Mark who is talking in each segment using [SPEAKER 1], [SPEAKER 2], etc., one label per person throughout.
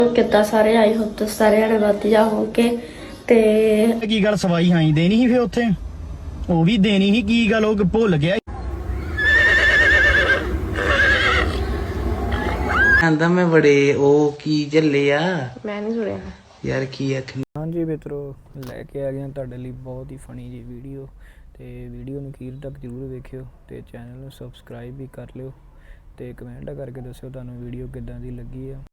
[SPEAKER 1] ਕਿੱਦਾਂ ਸਾਰੇ ਆਈ ਹੋ ਤੁਸੀਂ ਸਾਰਿਆਂ ਨੇ ਵਧੀਆ ਹੋ ਕੇ ਤੇ
[SPEAKER 2] ਕੀ ਗੱਲ ਸਵਾਈ ਹਾਈ ਦੇਣੀ ਸੀ ਫੇ ਉੱਥੇ ਉਹ ਵੀ ਦੇਣੀ ਸੀ ਕੀ ਗੱਲ ਉਹ ਭੁੱਲ ਗਿਆ
[SPEAKER 3] ਆਂਦਾ ਮੈਂ ਬੜੇ ਉਹ ਕੀ ਚੱਲੇ ਆ
[SPEAKER 1] ਮੈਂ ਨਹੀਂ ਸੁਣਿਆ
[SPEAKER 3] ਯਾਰ ਕੀ ਆਖ।
[SPEAKER 4] ਹਾਂਜੀ ਮਿੱਤਰੋ, ਲੈ ਕੇ ਆ ਗਏ ਤੁਹਾਡੇ ਲਈ ਬਹੁਤ ਹੀ ਫਨੀ ਜੀ ਵੀਡੀਓ ਤੇ ਵੀਡੀਓ ਨੂੰ ਅਖੀਰ ਤੱਕ ਜ਼ਰੂਰ ਵੇਖਿਓ ਤੇ ਚੈਨਲ ਨੂੰ ਸਬਸਕ੍ਰਾਈਬ ਵੀ ਕਰ ਲਿਓ ਤੇ ਕਮੈਂਟ ਕਰਕੇ ਦੱਸਿਓ ਤੁਹਾਨੂੰ ਵੀਡੀਓ ਕਿੱਦਾਂ ਦੀ ਲੱਗੀ ਆ।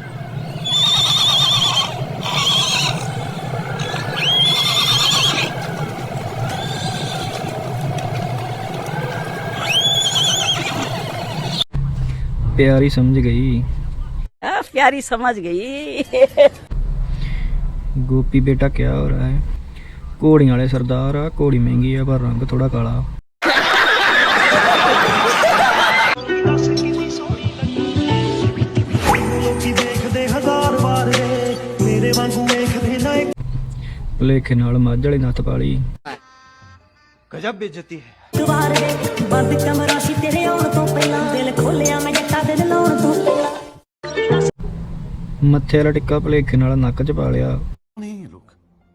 [SPEAKER 4] प्यारी समझ गई,
[SPEAKER 5] प्यारी समझ गई।
[SPEAKER 4] गोपी बेटा क्या हो रहा है? घोड़ी वाले सरदार आ, घोड़ी महंगी है पर रंग थोड़ा काला। भुलेखे नाल मझ वाली नत्थ पाली,
[SPEAKER 2] गजब बेइज्जती है।
[SPEAKER 6] बंद कमरा सी तेरे आउण तो पहला दिल खोलिया मैं जट्टा दे लाउण तो पहला
[SPEAKER 4] मत्थे वाला टिक्का भुलेखे नाल नक्क च पा लिया।
[SPEAKER 7] नहीं लोग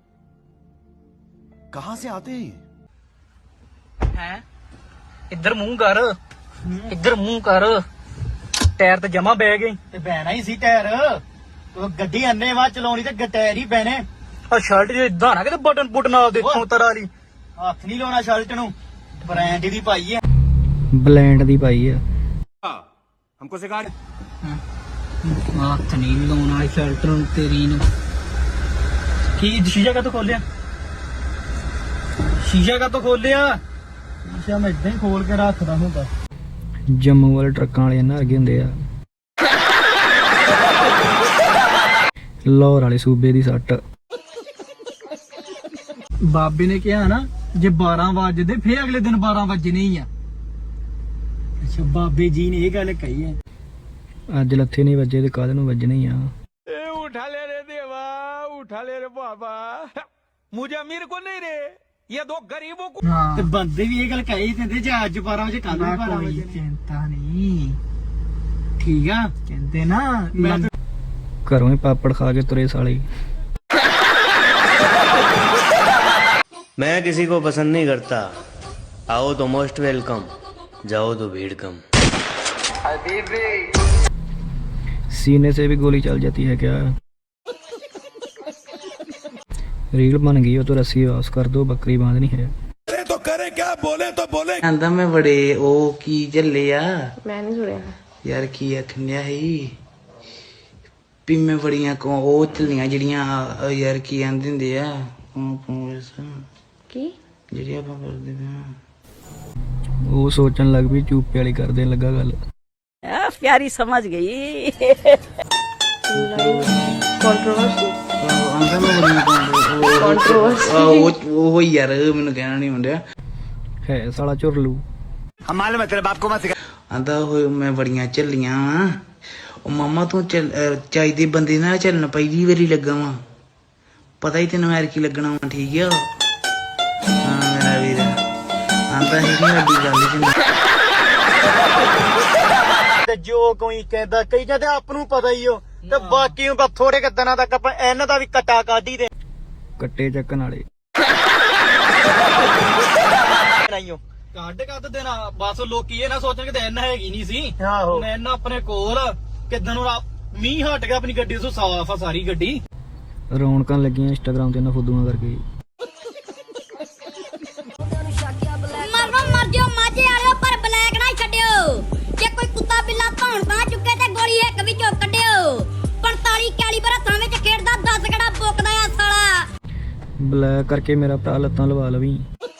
[SPEAKER 7] कहां से आते हैं?
[SPEAKER 2] ਇੱਧਰ ਮੂੰਹ ਕਰ ਇੱਧਰ ਮੂੰਹ ਕਰ ਟਾਇਰ ਤੇ ਜਮਾ ਬਹਿ ਗਏ ਤੇ ਬਹਿਣਾ ਹੀ ਸੀ ਟਾਇਰ ਉਹ ਗੱਡੀ ਅੰਨੇ ਵਾ ਚਲਾਉਣੀ ਤੇ ਟਾਇਰ ਹੀ ਬਹਿਣੇ ਆ ਸ਼ਰਟ ਜੇ ਇਦਾਂ ਨਾ ਕਿਤੇ ਬਟਨ ਬੁਟਨ ਨਾਲ ਦੇਖੋ ਤਰਾ ਵਾਲੀ ਹੱਥ ਨਹੀਂ ਲਾਉਣਾ ਸ਼ਰਟ ਨੂੰ ਬ੍ਰਾਂਡ ਦੀ ਪਾਈ ਆ
[SPEAKER 4] ਬਲੈਂਡ ਦੀ ਪਾਈ ਆ
[SPEAKER 7] हमको सिखा
[SPEAKER 2] ਹੱਥ ਨਹੀਂ ਲਾਉਣਾ ਸ਼ਰਟ ਨੂੰ ਤੇਰੀ ਨੂੰ ਕੀ ਸ਼ੀਸ਼ਾ ਕਾ ਤੋਂ ਖੋਲਿਆ ਸ਼ੀਸ਼ਾ ਕਾ ਤੋਂ ਖੋਲਿਆ ਸ਼ੀਸ਼ਾ ਮੈਂ ਇਦਾਂ ਹੀ ਖੋਲ ਕੇ ਰੱਖਦਾ ਹੁੰਦਾ
[SPEAKER 4] ਜੰਮੂ ਵਾਲੇ ਟਰੱਕਾਂ ਵਾਲੇ ਇਹਨਾਂ ਵਰਗੇ ਹੁੰਦੇ ਆ ਲਾਹੌਰ ਵਾਲੇ ਸੂਬੇ ਦੀ ਸੱਟ।
[SPEAKER 2] ਬਾਬੇ ਨੇ ਕਿਹਾ ਨਾ ਜੇ 12 ਵਜਦੇ ਫੇਰ ਅਗਲੇ ਦਿਨ 12 ਵਜਣੇ ਹੀ ਆ। ਅੱਛਾ ਬਾਬੇ ਜੀ ਨੇ ਇਹ ਗੱਲ ਕਹੀ ਹੈ।
[SPEAKER 4] ਅੱਜ ਲੱਥੇ ਨਹੀਂ ਵੱਜੇ ਤੇ ਕੱਲ ਨੂੰ ਵੱਜਣੇ ਹੀ ਆ।
[SPEAKER 8] उठा ले रे देवा, उठा ले रे बाबा, मुझे अमीर को नहीं रे, ये दो गरीबों को।
[SPEAKER 2] ਹਾਂ ਤੇ ਬੰਦੇ ਵੀ ਇਹ ਗੱਲ ਕਹੀ ਦਿੰਦੇ ਜੇ ਅੱਜ 12 ਵਜੇ ਕੱਲ ਨੂੰ 12 ਵਜੇ ਚਿੰਤਾ ਨਹੀਂ ਠੀਕ ਆ ਕਹਿੰਦੇ ਨਾ ਮੈਂ
[SPEAKER 4] ਘਰੋਂ ਹੀ ਪਾਪੜ ਖਾ ਕੇ ਤੁਰੇ ਸਾਲੇ।
[SPEAKER 3] मैं किसी को पसंद नहीं करता, आओ तो मोस्ट वेलकम, जाओ तो भीड़ कम।
[SPEAKER 4] सीने से भी गोली चल जाती है क्या? रील बन गई हो तो रस्सी वापस कर दो, बकरी बांधनी है।
[SPEAKER 7] तो करे क्या, बोले तो बोले।
[SPEAKER 3] आंदा मैं बड़े ਉਹ ਕੀ ਚੱਲੇ ਆ
[SPEAKER 1] ਮੈਂ ਨਹੀਂ ਸੁਣਿਆ
[SPEAKER 3] ਯਾਰ ਕੀ ਆਖਿਆ ਸੀ ਵੀ ਮੈਂ ਬੜੀਆਂ ਉਹ ਚੱਲੀਆਂ ਜਿਹੜੀਆਂ ਯਾਰ ਕੀ ਆਂਦੇ ਹੁੰਦੇ ਆ
[SPEAKER 1] ਕੀ
[SPEAKER 3] ਜਿਹੜੀ ਆਪਾਂ ਕਰਦੇ ਆ
[SPEAKER 4] ਉਹ ਸੋਚਣ ਲੱਗ ਵੀ ਚੂਪੇ ਵਾਲੀ ਕਰਦੇ ਲੱਗਾ ਗੱਲ।
[SPEAKER 5] प्यारी समझ गई।
[SPEAKER 1] ਕੰਟਰੋਵਰਸੀ
[SPEAKER 3] ਆਂਦਾ ਮੈਂ ਬੜੀਆਂ ਕੰਟਰੋਵਰਸੀ ਉਹ ਯਾਰ ਮੈਨੂੰ ਕਹਿਣਾ ਨਹੀਂ ਹੁੰਦਿਆ
[SPEAKER 4] ਹੈ ਸਾਲਾ ਝੁਰਲੂ।
[SPEAKER 7] हमारे मतलब आपको मत सिखा।
[SPEAKER 3] ਆਂਦਾ ਹੋਏ ਮੈਂ ਬੜੀਆਂ ਝੱਲੀਆਂ ਵਾ ਉਹ ਮਾਮਾ ਤੂੰ ਚਾਹੀਦੇ ਬੰਦੇ ਨਾਲ ਚੱਲਣ ਪਹਿਲੀ ਵਾਰੀ ਲੱਗਾ ਵਾ ਪਤਾ ਹੀ ਤੈਨੂੰ ਐਰ ਕੀ ਲੱਗਣਾ ਵਾ ਠੀਕ ਆ ਹਾਂ ਮੇਰਾ ਵੀਰ ਆਂਦਾ ਹੀ ਨਹੀਂ ਵੱਡੀ ਗੱਲ ਜਿੰਦਾ
[SPEAKER 2] ਤੇ ਜੋ ਕੋਈ ਕਹਿੰਦਾ ਕਈ ਕਹਿੰਦੇ ਆਪ ਨੂੰ ਪਤਾ ਹੀ ਹੋ ਤੇ ਬਾਕੀ ਨੂੰ ਥੋੜੇ ਕੁ ਦਿਨਾਂ ਤੱਕ ਆਪਾਂ ਇਹਨਾਂ ਦਾ ਵੀ ਕੱਟਾ ਕਾਢੀ ਦੇ
[SPEAKER 4] ਕੱਟੇ ਚੱਕਣ ਵਾਲੇ
[SPEAKER 2] ਨਹੀਂ ਕੱਢ ਦੇਣਾ ਬਸ ਲੋਕੀ ਇਹ ਨਾ ਸੋਚਣ ਕਿ ਦਿਨ ਹੈਗੀ ਨਹੀਂ ਸੀ ਹੁਣ ਇਹਨਾਂ ਆਪਣੇ ਕੋਲ ਕਿਦਾਂ ਨੂੰ ਮੀਂਹ ਹਟ ਗਿਆ ਆਪਣੀ ਗੱਡੀ ਤੋਂ ਸਾਫ ਆ ਸਾਰੀ ਗੱਡੀ
[SPEAKER 4] ਰੌਣਕਾਂ ਲੱਗੀਆਂ ਇੰਸਟਾਗ੍ਰਾਮ ਤੇ ਇਹਨਾਂ ਫੁੱਦੂਆਂ ਕਰਕੇ।
[SPEAKER 6] ਮਰਨੋਂ ਮਰ ਜਿਓ ਮਾਝੇ ਵਾਲਿਓ ਪਰ ਬਲੈਕ ਨਾ ਛੱਡਿਓ ਜੇ ਕੋਈ ਕੁੱਤਾ ਬਿੱਲਾ ਧੌਣ ਪਾ ਚੁੱਕੇ ਤੇ ਗੋਲੀ ਇੱਕ ਵਿੱਚੋਂ ਕੱਢਿਓ 45 ਕੈਲੀਬਰ ਹੱਥਾਂ ਵਿੱਚ ਖੇਡਦਾ 10 ਕਿਹੜਾ ਬੁੱਕਦਾ ਆ ਸਾਲਾ।
[SPEAKER 4] ਬਲੈਕ ਕਰਕੇ ਮੇਰਾ ਭਰਾ ਲੱਤਾਂ ਲਵਾ ਲਵੀਂ।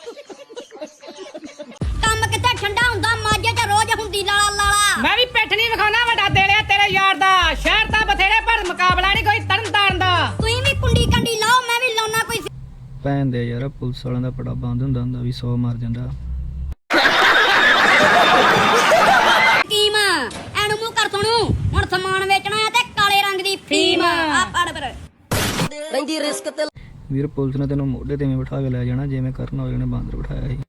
[SPEAKER 6] ਕੰਮ ਕਿੱਥੇ ਠੰਡਾ ਹੁੰਦਾ ਮਾਝੇ 'ਚ ਰੋਜ਼ ਹੁੰਦੀ ਲਾਲਾ ਲਾਲਾ।
[SPEAKER 5] मैं भी पेट नहीं विखाना वड्डा देलिया तेरे यार दा शहर दा बथेरे पर मुकाबला नहीं कोई तरन तारण दा।
[SPEAKER 6] ਤੁਸੀਂ ਵੀ ਕੁੰਡੀ ਕੰਡੀ ਲਾਓ ਮੈਂ ਵੀ ਲਾਉਣਾ ਕੋਈ
[SPEAKER 4] ਭੈਣ ਦੇ ਯਾਰ ਪੁਲਿਸ ਵਾਲਿਆਂ ਦਾ ਬੜਾ ਬੰਦ ਹੁੰਦਾ ਵੀ 100 ਮਰ ਜਾਂਦਾ।
[SPEAKER 6] ਸਕੀਮ ਐਨੂੰ ਮੂੰਹ ਕਰ ਸੁਣੂ ਹੁਣ ਸਮਾਨ ਵੇਚਣਾ ਆ ਤੇ ਕਾਲੇ ਰੰਗ ਦੀ ਫੀਮ ਆ ਪੜ ਪਰ ਰਹਿੰਦੀ ਰਿਸਕ ਤੇ
[SPEAKER 4] ਵੀਰ ਪੁਲਿਸ ਨੇ ਤੈਨੂੰ ਮੋਢੇ ਤੇ ਬਿਠਾ ਕੇ ਲੈ ਜਾਣਾ ਜਿਵੇਂ ਕਰਨ ਔਜਲੇ ਨੇ ਬਾਂਦਰ ਬਿਠਾਇਆ ਸੀ।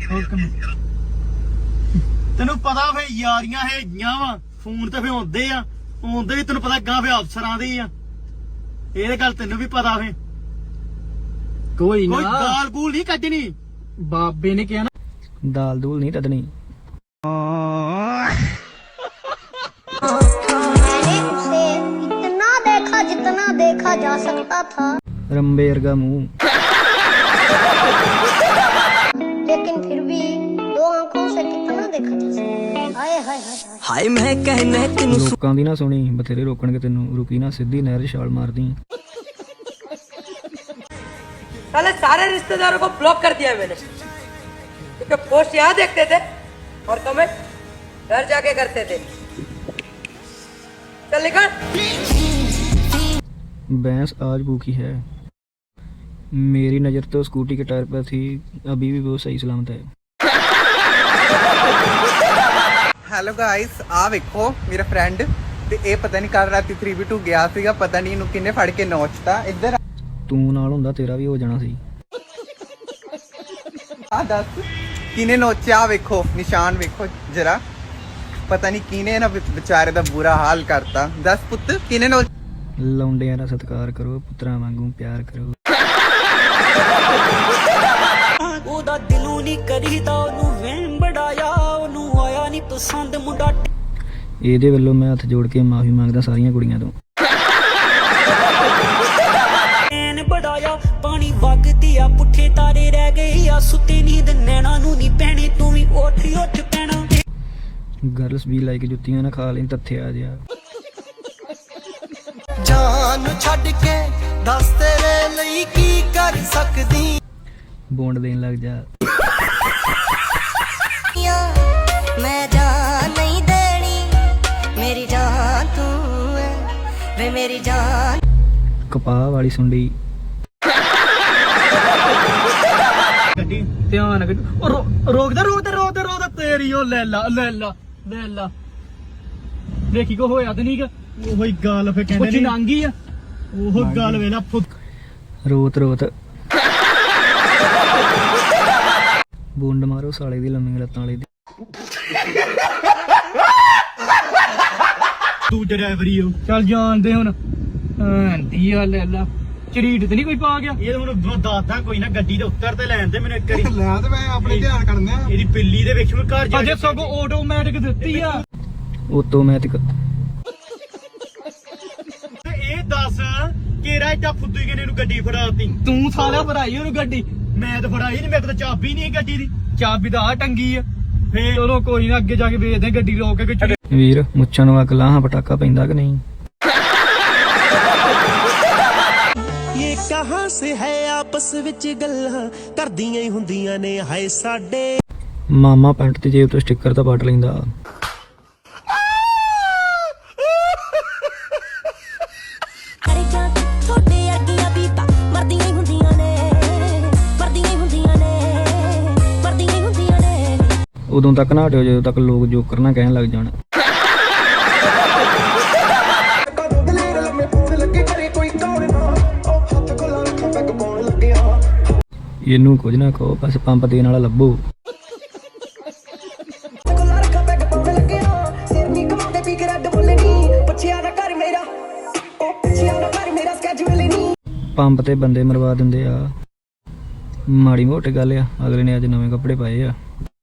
[SPEAKER 2] ਤੈਨੂੰ ਪਤਾ ਫੇ ਯਾਰੀਆਂ ਹੈਗੀਆਂ ਵਾ ਫੋਨ ਤੇ ਫੇ ਆਉਂਦੇ ਆ ਆਉਂਦੇ ਵੀ ਤੈਨੂੰ ਪਤਾ ਗਾਂ ਫੇ ਅਫਸਰਾਂ ਦੇ ਆ ਇਹ ਗੱਲ ਤੈਨੂੰ ਵੀ ਪਤਾ ਫੇ ਕੋਈ ਗਾਲ ਗੂਲ ਨਹੀਂ ਕੱਢਣੀ ਬਾਬੇ ਨੇ ਕਿਹਾ ਨਾ
[SPEAKER 4] ਦਾਲ ਦੂਲ ਨਹੀਂ ਤਦਣੀ
[SPEAKER 6] इतना देखा जितना देखा जा सकता था
[SPEAKER 4] ਰੰਬੇ ਵਰਗਾ ਮੂੰਹ
[SPEAKER 6] लेकिन फिर भी दो आंखों से कितना देखा जा सकता हाय हाय हाय
[SPEAKER 4] ਲੋਕਾਂ ਦੀ ਨਾ ਸੁਣੀ ਬਥੇਰੇ ਰੋਕਣਗੇ ਤੈਨੂੰ ਰੁਕੀ ਨਾ ਸਿੱਧੀ ਨਹਿਰ 'ਚ ਛਾਲ ਮਾਰਦੀ
[SPEAKER 5] साले सारे रिश्तेदारों को ब्लॉक कर दिया है मैंने क्योंकि पोस्ट यहाँ देखते थे और कमेंट घर जाके करते थे चल निकल
[SPEAKER 4] भैंस आज भूखी है मेरी नज़र तो स्कूटी के टायर पर थी अभी भी वो सही सलामत है
[SPEAKER 9] ਹੈਲੋ ਗਾਇਸ ਆ ਵੇਖੋ ਮੇਰਾ ਫਰੈਂਡ ਤੇ ਇਹ ਪਤਾ ਨਹੀਂ ਕੱਲ ਰਾਤੀ 3v2 ਗਿਆ ਸੀਗਾ ਪਤਾ ਨਹੀਂ ਇਹਨੂੰ ਕਿੰਨੇ ਫੜ ਕੇ ਨੋਚਤਾ ਇੱਧਰ
[SPEAKER 4] ਤੂੰ ਨਾਲ ਹੁੰਦਾ ਤੇਰਾ ਵੀ ਹੋ ਜਾਣਾ ਸੀ
[SPEAKER 9] ਆ ਦੱਸ ਕਿਨੇ ਨੋਚਿਆ ਵੇਖੋ ਨਿਸ਼ਾਨ ਵੇਖੋ ਜਰਾ ਪਤਾ ਨਹੀਂ ਕਿਨੇ ਨਾ ਵਿਚਾਰੇ ਦਾ ਬੁਰਾ ਹਾਲ ਕਰਤਾ ਦੱਸ ਪੁੱਤ ਕਿਨੇ ਨੋਚ
[SPEAKER 4] ਲੌਂਡਿਆਂ ਦਾ ਸਤਿਕਾਰ ਕਰੋ ਪੁੱਤਰਾਂ ਵਾਂਗੂ ਪਿਆਰ ਕਰੋ
[SPEAKER 2] ਉਹਦਾ ਦਿਲੋਂ ਨਹੀਂ ਕਰੀਦਾ ਉਹਨੂੰ ਵਹਿਮ ਬੜਾਇਆ ਉਹਨੂੰ ਆਇਆ ਨਹੀਂ ਪਸੰਦ ਮੁੰਡਾ
[SPEAKER 4] ਇਹਦੇ ਵੱਲੋਂ ਮੈਂ ਹੱਥ ਜੋੜ ਕੇ ਮਾਫੀ ਮੰਗਦਾ ਸਾਰੀਆਂ ਕੁੜੀਆਂ ਤੋਂ
[SPEAKER 2] ਐਨ ਬੜਾਇਆ ਪਾਣੀ ਵਗਦੀ ਆ ਪੁੱਠੇ ਤਾਰੇ ਰਹਿ ਗਏ ਆ ਸੁੱਤੇ ਨੀਂਦ ਨੈਣਾ ਨੂੰ ਨਹੀਂ ਪੈਣੀ ਤੂੰ ਵੀ ਉੱਠ ਉੱਠ ਪੈਣਾ
[SPEAKER 4] ਗਰਲਸ ਵੀ ਲਾਈਕ ਜੁੱਤੀਆਂ ਨਾ ਖਾ ਲੈਣ ਤੱਥਿਆ ਜਿਆ
[SPEAKER 2] ਜਾਨ ਨੂੰ ਛੱਡ ਕੇ ਦੱਸ ਤੇਰੇ ਲਈ ਕੀ ਕਰ ਸਕਦੀ
[SPEAKER 4] ਬੋਂਡ ਦੇਣ ਲੱਗ ਜਾ
[SPEAKER 6] मैं जान नहीं देनी मेरी जान तू है वे मेरी जान
[SPEAKER 4] ਕਪਾਹ ਵਾਲੀ ਸੁੰਡੀ
[SPEAKER 2] ਗੱਡੀ ਧਿਆਨ ਰੋਕਦਾ ਤੇਰੀ ਉਹ ਲੈ ਲਾ ਦੇਖੀ ਕੋ ਹੋਇਆ ਤੇ ਨਹੀਂ ਉਹੀ ਗੱਲ ਫੇ ਕਹਿੰਦੇ ਨੇ ਨਾਂਗੀ ਆ ਉਹ ਗੱਲ ਵੇਲਾ
[SPEAKER 4] ਰੋਤ ਬੁੰਡ ਮਾਰੋ ਸਾਲੇ ਦੀ ਲੰਮੀਆਂ ਲੱਤਾਂ ਵਾਲੀ ਦੀ
[SPEAKER 2] ਤੂੰ ਡਰਾਈਵਰੀ ਹੋ ਚੱਲ ਜਾਣਦੇ ਹੁਣ ਆਂਦੀ ਆ ਲੈ ਲਾ ਚਰੀਟ ਤੇ ਨਹੀਂ ਕੋਈ ਪਾ ਗਿਆ ਇਹ ਹੁਣ ਦੱਸਦਾ ਕੋਈ ਨਾ ਗੱਡੀ ਦੇ ਉੱਤਰ ਤੇ ਲੈਣ ਤੇ ਮੈਨੂੰ ਇੱਕ ਵਾਰੀ ਲੈ ਤੇ ਮੈਂ ਆਪਣੇ ਧਿਆਨ ਕਰਨਾ ਇਹਦੀ ਪਿੱਲੀ ਦੇ ਵਿੱਚ ਘਰ ਜਾ ਅਜੇ ਸਗੋਂ ਆਟੋਮੈਟਿਕ ਦਿੱਤੀ ਆ
[SPEAKER 4] ਆਟੋਮੈਟਿਕ
[SPEAKER 2] ਇਹ ਦੱਸ ਕਿਹੜਾ ਏਡਾ ਫੁੱਦੂ ਕਿਨੇ ਨੂੰ ਗੱਡੀ ਫੜਾਤੀ ਤੂੰ ਸਾਲਾ ਫੜਾਈ ਉਹਨੂੰ ਗੱਡੀ ਮੈਂ ਤਾਂ ਫੜਾਈ ਨਹੀਂ ਮੇਰੇ ਕੋਲ ਚਾਬੀ ਨਹੀਂ ਗੱਡੀ ਦੀ ਚਾਬੀ ਤਾਂ ਆ ਟੰਗੀ ਆ ਫੇਰ ਚਲੋ ਕੋਈ ਨਾ ਅੱਗੇ ਜਾ ਕੇ ਵੇਚਦੇ ਗੱਡੀ ਰੋਕ ਕੇ
[SPEAKER 4] ਵੀਰ ਮੁੱਛਾਂ ਨੂੰ ਅੱਗ ਲਾਹਾਂ ਪਟਾਕਾ ਪੈਂਦਾ ਕਿ ਨਹੀਂ
[SPEAKER 10] ਇਹ ਕਹਾਂ ਸੇ ਹੈ ਆਪਸ ਵਿੱਚ ਗੱਲਾਂ ਕਰਦੀਆਂ ਹੀ ਹੁੰਦੀਆਂ ਨੇ ਹਾਏ ਸਾਡੇ
[SPEAKER 4] ਮਾਮਾ ਪੈਂਟ ਤੇ ਜੇਬ ਤੋਂ ਸਟicker ਤਾਂ ਪੱਟ ਲੈਂਦਾ
[SPEAKER 6] ਛੋਟੇ ਅੱਗੀਆਂ ਬੀਤਾ ਮਰਦੀਆਂ ਹੀ ਹੁੰਦੀਆਂ ਨੇ
[SPEAKER 4] ਉਦੋਂ ਤੱਕ ਨਾ ਹਟਿਓ ਜਦੋਂ ਤੱਕ ਲੋਕ ਜੋਕਰ ਨਾ ਕਹਿਣ ਲੱਗ ਜਾਣ ਇਹਨੂੰ ਕੁਝ ਨਾ ਕਹੋ ਬਸ ਪੰਪ ਦੇਣ ਵਾਲਾ ਲੱਭੋ ਪੰਪ ਤੇ ਬੰਦੇ ਮਰਵਾ ਦਿੰਦੇ ਆ ਮਾੜੀ ਮੋਟੀ ਗੱਲ ਆ ਅਗਲੇ ਨੇ ਅੱਜ ਨਵੇਂ ਕੱਪੜੇ ਪਾਏ ਆ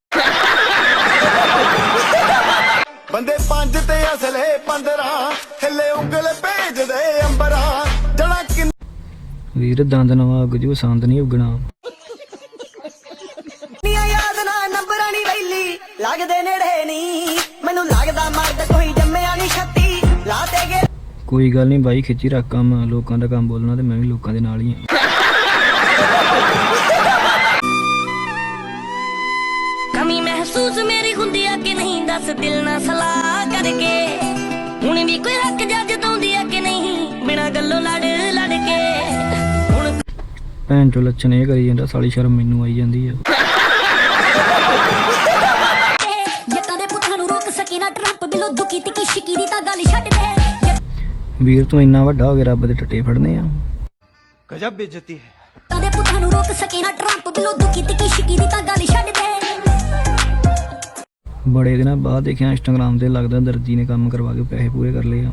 [SPEAKER 7] ਬੰਦੇ 5 ਤੇ ਅਸਲੇ 15 ਹਿੱਲੇ ਉਂਗਲ ਭੇਜਦੇ ਅੰਬਰਾਂ ਜਣਾ ਕਿ
[SPEAKER 4] ਵੀਰ ਦੰਦ ਨਵਾਂ ਉੱਗ ਜੂ ਸੰਦ ਨਹੀਂ ਉੱਗਣਾ
[SPEAKER 5] ਯਾਦ ਨਾ ਨੰਬਰਾਂ ਨਹੀਂ ਵੈਲੀ ਲੱਗਦੇ ਨੇੜੇ ਨਹੀਂ ਮੈਨੂੰ ਲੱਗਦਾ ਮਰਦ ਕੋਈ ਜੰਮਿਆ ਨਹੀਂ ਛੱਤੀ ਲਾ ਤੇ ਗਏ
[SPEAKER 4] ਕੋਈ ਗੱਲ ਨਹੀਂ ਬਾਈ ਖਿੱਚੀ ਰੱਖ ਕੰਮ ਲੋਕਾਂ ਦਾ ਕੰਮ ਬੋਲਣਾ ਤੇ ਮੈਂ ਵੀ ਲੋਕਾਂ ਦੇ ਨਾਲ ਹੀ ਆ
[SPEAKER 6] ਕਮੀ ਮਹਿਸੂਸ ਮੇਰੀ ਹੁੰਦੀ ਆ ਕਿ ਨਹੀਂ ਦੱਸ ਦਿਲ ਨਾਲ ਸਲਾਹ ਕਰਕੇ ਹੁਣ ਵੀ ਕੋਈ ਹੱਕ ਜੱਜ ਦਉਂਦੀ ਆ ਕਿ ਨਹੀਂ ਬਿਨਾਂ ਗੱਲੋਂ ਲੜ ਕੇ ਹੁਣ
[SPEAKER 4] ਭੈਣ ਚੋ ਲੱਛਣ ਇਹ ਕਰੀ ਜਾਂਦਾ ਸਾਲੀ ਸ਼ਰਮ ਮੈਨੂੰ ਆਈ ਜਾਂਦੀ ਆ
[SPEAKER 6] ਜੱਟਾਂ ਦੇ ਪੁੱਤਾਂ ਨੂੰ ਰੋਕ ਸਕੀ ਨਾ ਟਰੰਪ ਬਿਲੋ ਦੁਖੀ ਤਿੱਕੀ ਸ਼ਿਕੀ ਦੀ ਤਾਂ ਗੱਲ ਛੱਡ ਦੇ
[SPEAKER 4] ਵੀਰ ਤੂੰ ਇੰਨਾ ਵੱਡਾ ਹੋ ਕੇ ਰੱਬ ਦੇ ਟੱਟੇ ਫੜਨੇ ਆ
[SPEAKER 7] ਗਜਬ ਬੇਇੱਜ਼ਤੀ ਹੈ
[SPEAKER 6] ਜੱਟਾਂ ਦੇ ਪੁੱਤਾਂ ਨੂੰ ਰੋਕ ਸਕੀ ਨਾ ਟਰੰਪ ਬਿਲੋ ਦੁਖੀ ਤਿੱਕੀ ਸ਼ਿਕੀ ਦੀ ਤਾਂ ਗੱਲ ਛੱਡ ਦੇ
[SPEAKER 4] ਬੜੇ ਦਿਨਾਂ ਬਾਅਦ ਦੇਖਿਆ ਇੰਸਟਾਗ੍ਰਾਮ ਤੇ, ਲੱਗਦਾ ਦਰਜੀ ਨੇ ਕੰਮ ਕਰਵਾ ਕੇ ਪੈਸੇ ਪੂਰੇ ਕਰ ਲਏ ਆ।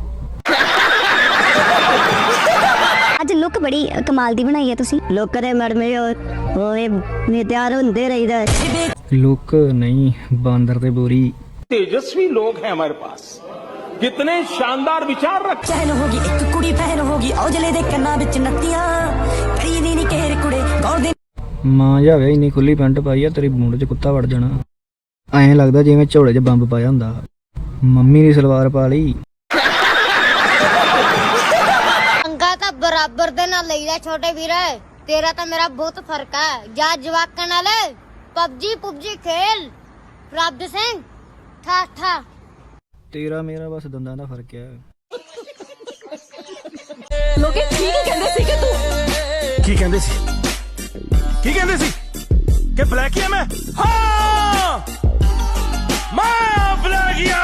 [SPEAKER 6] ਅੱਜ ਲੁੱਕ ਬੜੀ ਕਮਾਲ ਦੀ ਬਣਾਈ ਹੈ ਤੁਸੀਂ। ਲੋਕ ਦੇ ਮਰਮੇ ਹੋਏ ਨੇ ਤਿਆਰ ਹੁੰਦੇ ਰਹੀਦਾ।
[SPEAKER 4] ਲੁੱਕ ਨਹੀਂ, ਬਾਂਦਰ ਤੇ ਬੋਰੀ।
[SPEAKER 8] तेजस्वी लोग हैं हमारे पास, कितने शानदार विचार रख।
[SPEAKER 6] ਚਹਿਨ ਹੋਗੀ ਇੱਕ ਕੁੜੀ ਪਹਿਨ ਹੋਗੀ ਔਜਲੇ ਦੇ ਕੰਨਾਂ ਵਿੱਚ ਨੱਤੀਆਂ ਕਰੀ ਦੀ ਨੀ ਕੇਰ ਕੁੜੇ ਗੌਰ ਦੇ।
[SPEAKER 4] ਮਾਂ ਜਾਵੇ ਇੰਨੀ ਖੁੱਲੀ ਪੈਂਟ ਪਾਈ ਆ, ਤੇਰੀ ਬੂੰਡ 'ਚ ਕੁੱਤਾ ਵੜ ਜਾਣਾ। ਐਂ ਲੱਗਦਾ ਜਿਵੇਂ ਝੋਲੇ 'ਚ ਬੰਬ ਪਾਇਆ ਹੁੰਦਾ। ਮੰਮੀ ਦੀ ਸਲਵਾਰ ਪਾ ਲਈ।
[SPEAKER 6] ਅੰਗਾ ਤਾਂ ਬਰਾਬਰ ਦੇ ਨਾਲ ਲਈਦਾ ਛੋਟੇ ਵੀਰੇ, ਤੇਰਾ ਤਾਂ ਮੇਰਾ ਬਹੁਤ ਫਰਕ ਹੈ। ਜਾ ਜਵਾਕਾਂ ਨਾਲ ਪਬਜੀ ਖੇਲ। ਪ੍ਰਭਦ ਸਿੰਘ ਠਾ ਠਾ।
[SPEAKER 4] ਤੇਰਾ ਮੇਰਾ ਬਸ ਦੰਦਾਂ ਦਾ ਫਰਕ ਹੈ।
[SPEAKER 5] ਲੋਕੀ ਕੀ ਕਹਿੰਦੇ ਸੀ ਕਿ ਤੂੰ
[SPEAKER 8] की कहंदे सी की कहंदे सी कि ब्लैक ही है मैं। हाँ मैं ब्लैक ही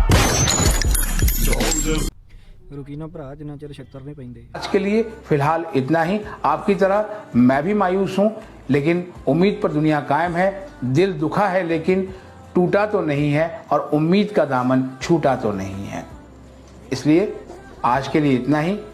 [SPEAKER 4] ਰੁਕੀ ਨਾ ਭਰਾ, ਜਿੰਨਾ ਚਿਰ ਛੱਤਰ ਨਹੀਂ ਪੈਂਦੇ।
[SPEAKER 11] आज के लिए फिलहाल इतना ही। आपकी तरह मैं भी मायूस हूं, लेकिन उम्मीद पर दुनिया कायम है। दिल दुखा है लेकिन टूटा तो नहीं है, और उम्मीद का दामन छूटा तो नहीं है। इसलिए आज के लिए इतना ही।